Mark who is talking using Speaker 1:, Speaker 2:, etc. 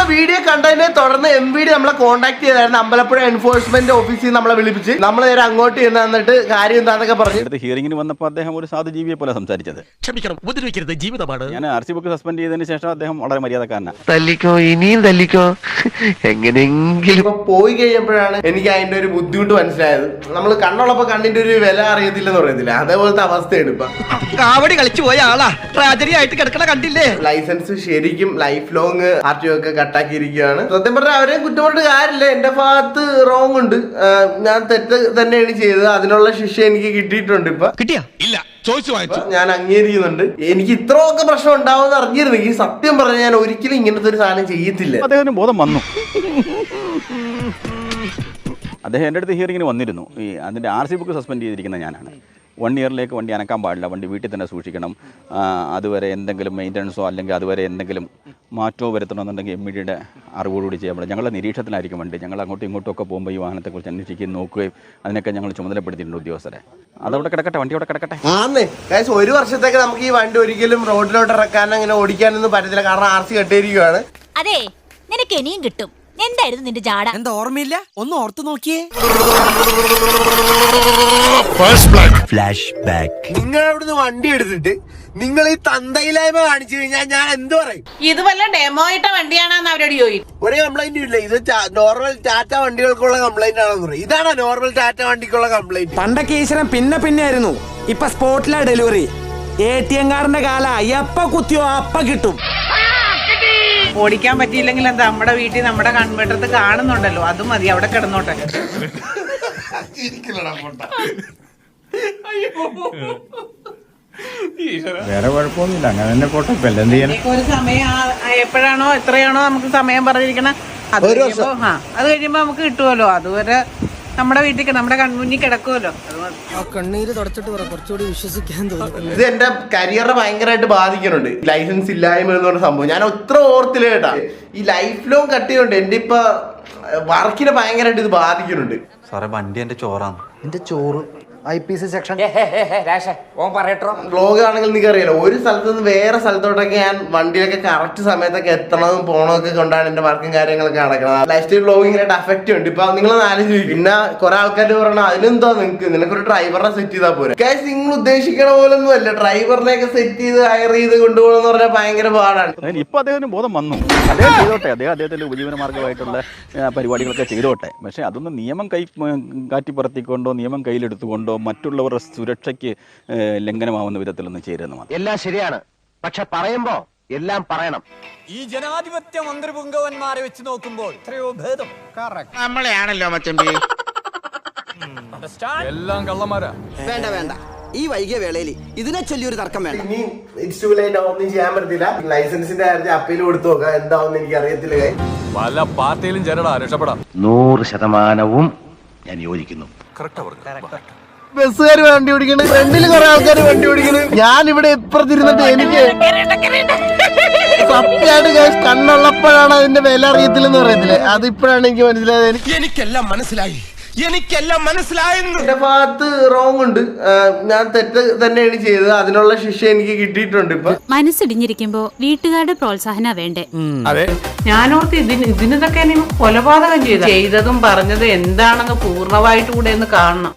Speaker 1: Video കണ്ടതിനെ തുടർന്ന് MVD നമ്മളെ കോൺടാക്ട് ചെയ്തായിരുന്നു. അമ്പലപ്പുഴ എൻഫോഴ്സ്മെന്റ് ഓഫീസിൽ നമ്മളെ വിളിപ്പിച്ച് നമ്മൾ നേരെ അങ്ങോട്ട് ചെന്ന് എന്നിട്ട് കാര്യം എന്താണെന്നൊക്കെ പറഞ്ഞു.
Speaker 2: ഹിയറിംഗിന് വന്നപ്പോൾ അദ്ദേഹം ഒരു സാധുജീവിയെ പോലെ സംസാരിച്ചത്.
Speaker 3: ക്ഷമിക്കണം, ഉപദ്രവിക്കരുത്, ജീവിതമാണ്.
Speaker 2: ഞാൻ RC ബുക്ക് സസ്പെൻഡ് ചെയ്തതിന് ശേഷം അദ്ദേഹം വളരെ മര്യാദക്കാരനാണ്.
Speaker 4: തല്ലിക്കോ, ഇനിയും തല്ലിക്കോ, എങ്ങനെയെങ്കിലും.
Speaker 1: ഇപ്പൊ പോയി കഴിഞ്ഞപ്പോഴാണ് എനിക്ക് അതിന്റെ ഒരു ബുദ്ധിമുട്ട് മനസ്സിലായത്. നമ്മൾ കണ്ണുള്ളപ്പോ കണ്ണിന്റെ ഒരു വില അറിയത്തില്ലെന്ന് പറയത്തില്ല, അതേപോലത്തെ അവസ്ഥയാണ് ഇപ്പൊ.
Speaker 3: കാവടി കളിച്ചു പോയ ആളാ ട്രാജഡി ആയിട്ട് കിടക്കണ കണ്ടില്ലേ.
Speaker 1: ലൈസൻസ് ശരിക്കും ലൈഫ് ലോങ് RTO ഒക്കെ കട്ടാക്കിയിരിക്കുകയാണ്. സത്യം പറഞ്ഞാൽ അവരെയും കുറ്റപ്പെട്ട് കാര്യമില്ല, എന്റെ ഭാഗത്ത് റോങ് ഉണ്ട്. ഞാൻ തെറ്റ് തന്നെയാണ് ചെയ്തത്, അതിനുള്ള ശിക്ഷ എനിക്ക് കിട്ടിയിട്ടുണ്ട്. ഇപ്പൊ
Speaker 3: കിട്ടിയാ ഇല്ല ചോദിച്ചു വായിച്ചു,
Speaker 1: ഞാൻ അംഗീകരിക്കുന്നുണ്ട്. എനിക്ക് ഇത്രയൊക്കെ പ്രശ്നം ഉണ്ടാവുമെന്ന് അറിഞ്ഞിരുന്നെങ്കിൽ സത്യം പറഞ്ഞാൽ ഞാൻ ഒരിക്കലും ഇങ്ങനത്തെ ഒരു സാധനം ചെയ്യത്തില്ല.
Speaker 2: അദ്ദേഹത്തിന് ബോധം വന്നു. അദ്ദേഹം എൻ്റെ അടുത്ത് ഹിയറിങ്ങിന് വന്നിരുന്നു. അതിൻ്റെ RC ബുക്ക് സസ്പെൻഡ് ചെയ്തിരിക്കുന്ന ഞാനാണ്. 1 ഇയറിലേക്ക് വണ്ടി അനക്കാൻ പാടില്ല, വണ്ടി വീട്ടിൽ തന്നെ സൂക്ഷിക്കണം, അതുവരെ എന്തെങ്കിലും മെയിൻ്റനൻസോ അല്ലെങ്കിൽ അതുവരെ എന്തെങ്കിലും മാറ്റമോ വരുത്തണമെന്നുണ്ടെങ്കിൽ MVDയുടെ അറിവോടുകൂടി ചെയ്യാൻ പറ്റും. ഞങ്ങളുടെ നിരീക്ഷണത്തിലായിരിക്കും വണ്ടി. ഞങ്ങൾ അങ്ങോട്ടും ഇങ്ങോട്ടും ഒക്കെ പോകുമ്പോൾ ഈ വാഹനത്തെക്കുറിച്ച് അന്വേഷിക്കുകയും നോക്കുകയും അതിനൊക്കെ ഞങ്ങൾ ചുമതലപ്പെടുത്തിയിട്ടുണ്ട് ഉദ്യോഗസ്ഥരെ. അതവിടെ കിടക്കട്ടെ, വണ്ടി അവിടെ കിടക്കട്ടെ.
Speaker 1: ഒരു വർഷത്തേക്ക് നമുക്ക് ഈ വണ്ടി ഒരിക്കലും റോഡിലോട്ട് ഇറക്കാൻ അങ്ങനെ ഓടിക്കാനൊന്നും പറ്റത്തില്ല, കാരണം RC കെട്ടിയിരിക്കുകയാണ്.
Speaker 5: അതെ, നിനക്ക് ഇനിയും കിട്ടും. എന്തായിരുന്നു നിന്റെ ജാട?
Speaker 3: എന്താ ഓർമ്മയില്ല, ഒന്ന് ഓർത്തു നോക്കിയേ.
Speaker 1: നിങ്ങൾ അവിടുന്ന് വണ്ടി എടുത്തിട്ട് നിങ്ങൾ ഈ തന്തയിലായ്മ കാണിച്ചു കഴിഞ്ഞാൽ ഞാൻ എന്ത് പറയും?
Speaker 6: ഇത് വല്ല ഡെമോ ഇട്ട വണ്ടിയാണെന്ന് അവരോട് ചോദിക്കും.
Speaker 1: ഒരു കംപ്ലൈന്റും ഇല്ല. ഇത് നോർമൽ ടാറ്റ വണ്ടികൾക്കുള്ള കംപ്ലൈന്റ് ആണെന്ന് പറയും. ഇതാണ് നോർമൽ ടാറ്റ വണ്ടിക്കുള്ള കംപ്ലൈന്റ്.
Speaker 7: പണ്ടൊക്കെ ഈശ്വരൻ പിന്നെ ആയിരുന്നു, ഇപ്പൊ സ്പോട്ടിലാ ഡെലിവറി. ATM കാരന്റെ കാല എപ്പ കുത്തിയോ അപ്പ കിട്ടും.
Speaker 6: ഓടിക്കാൻ പറ്റിയില്ലെങ്കിൽ എന്താ, നമ്മുടെ വീട്ടിൽ നമ്മുടെ കൺവെട്ടത്ത് കാണുന്നുണ്ടല്ലോ, അത് മതി, അവിടെ കിടന്നോട്ടെ.
Speaker 2: വേറെ കുഴപ്പമൊന്നുമില്ല, അങ്ങനെ തന്നെ പോട്ടെ.
Speaker 6: ഒരു സമയം എപ്പോഴാണോ എത്രയാണോ നമുക്ക് സമയം പറഞ്ഞിരിക്കണം, അത് കഴിയുമ്പോ നമുക്ക് കിട്ടുമല്ലോ. അതുവരെ നമ്മുടെ വീട്ടിൽ നമ്മുടെ കൺമുന്നിൽ കിടക്കുമല്ലോ.
Speaker 3: കണ്ണീര് തുടച്ചിട്ട് കുറച്ചുകൂടി വിശ്വസിക്കാൻ തോന്നുന്നു.
Speaker 1: ഇത് എന്റെ കരിയറിനെ ഭയങ്കരമായിട്ട് ബാധിക്കുന്നുണ്ട്, ലൈസൻസ് ഇല്ലായ്മ എന്ന് പറഞ്ഞ സംഭവം. ഞാൻ ഒത്ര ഓർത്തില്ല കേട്ടാ. ഈ ലൈഫ് ലോങ് കട്ട് ചെയ്യുന്നുണ്ട്, എന്റെ ഇപ്പൊ വർക്കിനെ ഭയങ്കരമായിട്ട് ഇത് ബാധിക്കുന്നുണ്ട്.
Speaker 8: സാറേ, വണ്ടി എന്റെ ചോറാണ്.
Speaker 7: എന്റെ ചോറ് IPC സെക്ഷൻ
Speaker 1: വ്ലോഗ് ആണെങ്കിൽ നിങ്ങൾക്ക് അറിയാലോ, ഒരു സ്ഥലത്ത് നിന്ന് വേറെ സ്ഥലത്തോട്ടൊക്കെ ഞാൻ വണ്ടിയിലൊക്കെ കറക്റ്റ് സമയത്തൊക്കെ എത്തണതും പോണതൊക്കെ കൊണ്ടാണ് എന്റെ വർക്കും കാര്യങ്ങളൊക്കെ നടക്കുന്നത്. ലൈഫ് സ്റ്റൈൽ വ്ലോഗിങ്ങിനായിട്ട് അഫക്റ്റ് ഉണ്ട്. ഇപ്പൊ നിങ്ങളൊന്ന് ആലോചിക്കും. പിന്നെ കുറെ ആൾക്കാർ പറയണ അതിനെന്തോ നിനക്കൊരു ഡ്രൈവറിനെ സെറ്റ് ചെയ്താൽ പോരെ. കാശ് നിങ്ങൾ ഉദ്ദേശിക്കണ പോലൊന്നും അല്ല. ഡ്രൈവറിനെയൊക്കെ സെറ്റ് ചെയ്ത് ഹയർ ചെയ്ത് കൊണ്ടുപോകണമെന്ന് പറഞ്ഞാൽ ഭയങ്കര പാടാണ്.
Speaker 2: ഇപ്പൊ അദ്ദേഹത്തിന് ബോധം വന്നു. അദ്ദേഹം ചെയ്തോട്ടെ, അദ്ദേഹത്തിന്റെ ഉപജീവന മാർഗമായിട്ടുള്ള പരിപാടികളൊക്കെ ചെയ്തോട്ടെ. പക്ഷെ അതൊന്നും നിയമം കാറ്റിപ്പുറത്തിക്കൊണ്ടോ നിയമം കയ്യിലെടുത്തുകൊണ്ടോ മറ്റുള്ളവരുടെ സുരക്ഷയ്ക്ക് ലംഘനമാവുന്ന വിധത്തിലൊന്നും ചേരുന്നു.
Speaker 4: എല്ലാം ശരിയാണ്, പക്ഷെ പറയുമ്പോ എല്ലാം പറയണം.
Speaker 3: ഈ ജനാധിപത്യ മന്ത്രിപുങ്കവന്മാരെ വെച്ച് നോക്കുമ്പോൾ എത്രയോ ഭേദം.
Speaker 1: നമ്മളെയാണല്ലോ മച്ചമ്പി.
Speaker 8: എല്ലാം കള്ളന്മാരാ.
Speaker 3: വേണ്ട, ഈ വൈകിയ വേളയിൽ ഇതിനെ ചൊല്ലിയൊരു തർക്കം വേണ്ട.
Speaker 1: ഇനി ഒന്നും ചെയ്യാൻ പറ്റത്തില്ല. ലൈസൻസിന്റെ കാര്യത്തിൽ അപ്പീൽ കൊടുത്തു നോക്കാം, എന്താവുന്ന എനിക്ക് അറിയത്തില്ല.
Speaker 8: പല പാർട്ടിയിലും ചേരടാ, രക്ഷപ്പെടാം.
Speaker 4: 100% ഞാൻ യോജിക്കുന്നു.
Speaker 1: ബസ്സുകാർ വണ്ടി ഓടിക്കണ്, ഫ്രണ്ടിൽ കുറെ ആൾക്കാർ വണ്ടി ഓടിക്കണ്. ഞാൻ ഇവിടെ ഇപ്പുറത്തിരുന്നിട്ട് എനിക്ക് സത്യമായിട്ട് കണ്ണുള്ളപ്പോഴാണ് അതിന്റെ വില അറിയത്തില്ലെന്ന് പറയത്തില്ലേ, അതിപ്പോഴാണ് എനിക്ക് മനസ്സിലായത്.
Speaker 3: എനിക്കെല്ലാം മനസ്സിലായി.
Speaker 1: എന്റെ ഭാഗത്ത് റോങ് ഉണ്ട്, ഞാൻ തെറ്റ് തന്നെയാണ് ചെയ്തത്, അതിനുള്ള ശിക്ഷ എനിക്ക് കിട്ടിയിട്ടുണ്ട്. ഇപ്പൊ
Speaker 5: മനസ്സിടിഞ്ഞിരിക്കുമ്പോ വീട്ടുകാരുടെ പ്രോത്സാഹന വേണ്ടേ?
Speaker 6: ഞാനോർത്ത് ഇതിനൊക്കെ കൊലപാതകം ചെയ്തതും പറഞ്ഞതും എന്താണെന്ന് പൂർണ്ണമായിട്ട് കൂടെ ഒന്ന് കാണണം.